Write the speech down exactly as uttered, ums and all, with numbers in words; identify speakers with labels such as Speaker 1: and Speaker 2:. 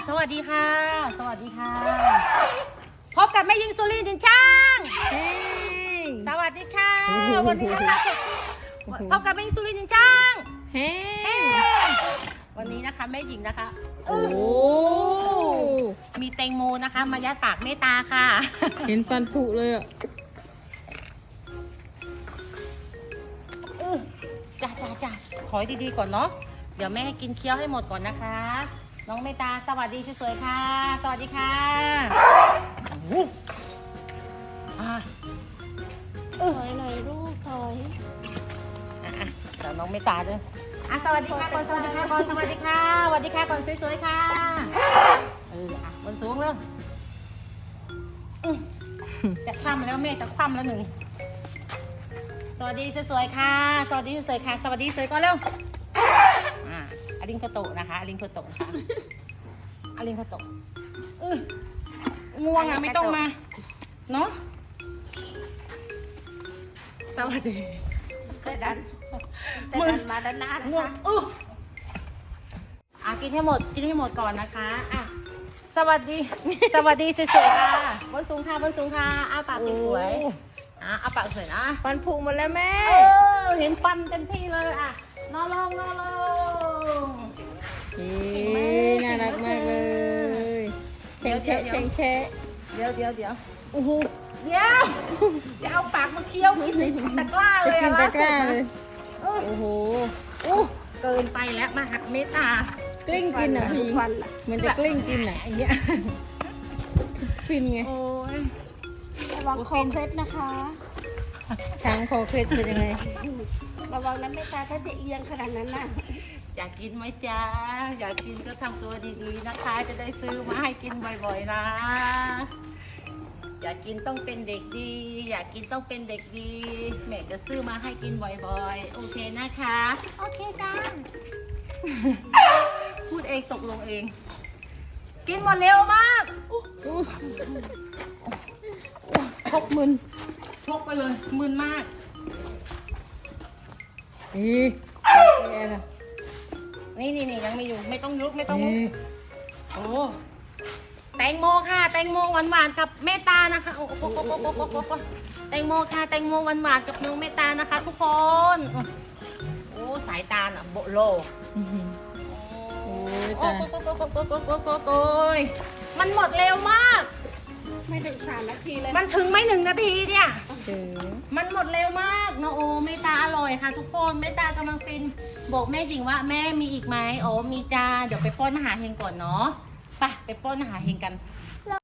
Speaker 1: สวัสดีค่ะ สวัสดีค่ะพบกับแม่ยิงสุรินทร์จินช่างสวัสดีค่ะวันนี้นะคะพบกับแม่ยิงสุรินทร์จินช่างเฮ้วันนี้นะคะแม่หญิงนะคะโอ้มีแตงโมนะคะมายัดปากเมตตาค่ะ
Speaker 2: เห็นฟันผุเลยอ่ะ
Speaker 1: จ้าจ้าจ้าขอดีๆก่อนเนาะเดี๋ยวแม่ให้กินเคี้ยวให้หมดก่อนนะคะน้องเมตตาสวัสดีสวยๆค่ะสวัสดีค่ะอ่ะ
Speaker 3: ถอยหน่อยลูกถอย
Speaker 1: อ่ะเดี๋ยวน้องเมตตาด้วยอ่ะสวัสดีค่ะก่อนสวัสดีค่ะก่อนสวัสดีค่ะสวัสดีค่ะก่อนสวยๆค่ะเอออ่ะบนสูงเลยจะคว่ำแล้วแม่จะคว่ำแล้วหนึ่งสวัสดีสวยๆค่ะสวัสดีสวยๆค่ะสวัสดีสวยก่อนเร็วอ่ะอลิงโคโตะนะคะอลิงโคโตะค่ะอลิงโคโตะเออง่วงอ่ะไม่ต้องมาเนาะสวัสดี
Speaker 3: แต่ดันแต่ดันมาด้านหน้านะ
Speaker 1: ง่วง
Speaker 3: คะ
Speaker 1: เอออ่ะกินให้หมดกินให้หมดก่อนนะคะอ่ะสวัสดีสวัสดีสวยๆค่ะบนสูงค่ะบนสูงค่ะอ้าปากสวยๆอ่ะอ้าปากสวยนะ
Speaker 2: ฟันผุหมดแล้วแม่
Speaker 1: เออเห็นฟันเต็มที่เลยอ่ะนอนลงนอนลง
Speaker 2: เฮ้น่ารักมากเลยเชงแชะเชงแชะ
Speaker 1: เดี๋ยวเดี๋ยวเดี๋ยวโอ้โหเดี๋ยวจะเอาปากมาเคี้ยวกินในตะกร้าเลย
Speaker 2: จะกินตะกร้าเลยโอ้โหอู้
Speaker 1: เกินไปแล้วมาหักเมตตาก
Speaker 2: ลิ้งกินอ่ะพี่มันจะกลิ้งกินอ่ะ
Speaker 1: อย่างเงี้ย
Speaker 2: ฟินไง
Speaker 1: โอ้ย
Speaker 3: ระวังคอเคล็ดนะคะ
Speaker 2: ช้างคอเคล็ดเป็นยังไง
Speaker 3: ระวังนั้นไม่ตาถ้าจะเอียงขนาดนั้นน่ะ
Speaker 1: อยากกินไหมจ๊ะอยากกินก็ทำตัวดีๆนะคะจะได้ซื้อมาให้กินบ่อยๆนะอยากกินต้องเป็นเด็กดีอยากกินต้องเป็นเด็กดีแม่จะซื้อมาให้กินบ่อยๆโอเคนะคะโอเคจ้าพูดเองตกลงเองกินหมดเร็วมาก
Speaker 2: พกมึน
Speaker 1: พกไปเลยมึนมาก
Speaker 2: นี่แย่ละ
Speaker 1: นี่นี่นี่ยังมีอยู่ไม่ต้องลุกไม่ต้องลุกโอ้แตงโมค่ะแตงโมหวานหวานกับเมตตานะคะโอ้โหแตงโมค่ะแตงโมหวานหวานกับน้องเมตตานะคะทุกคนโอ้สายตาอ่ะโบโล
Speaker 2: โอ้ย
Speaker 1: โอ้
Speaker 2: ตา
Speaker 1: โหโอ้โหโอ้โหโอ้โหโอ้โหโอ้ยมันหมดเร็วมาก
Speaker 3: ไม่ถึงสามนาทีเลย
Speaker 1: มันถึงไม่หนึ่งนาทีเนี่ย
Speaker 2: ถึง
Speaker 1: มันหมดเร็วมากเนาะโอ้เมตตาอร่อยค่ะทุกคนเมตตากำลังฟินบอกแม่หญิงว่าแม่มีอีกไหมโอ้มีจ้าเดี๋ยวไปป้อนมหาเฮงก่อนเนาะไปไปป้อนมหาเฮงกัน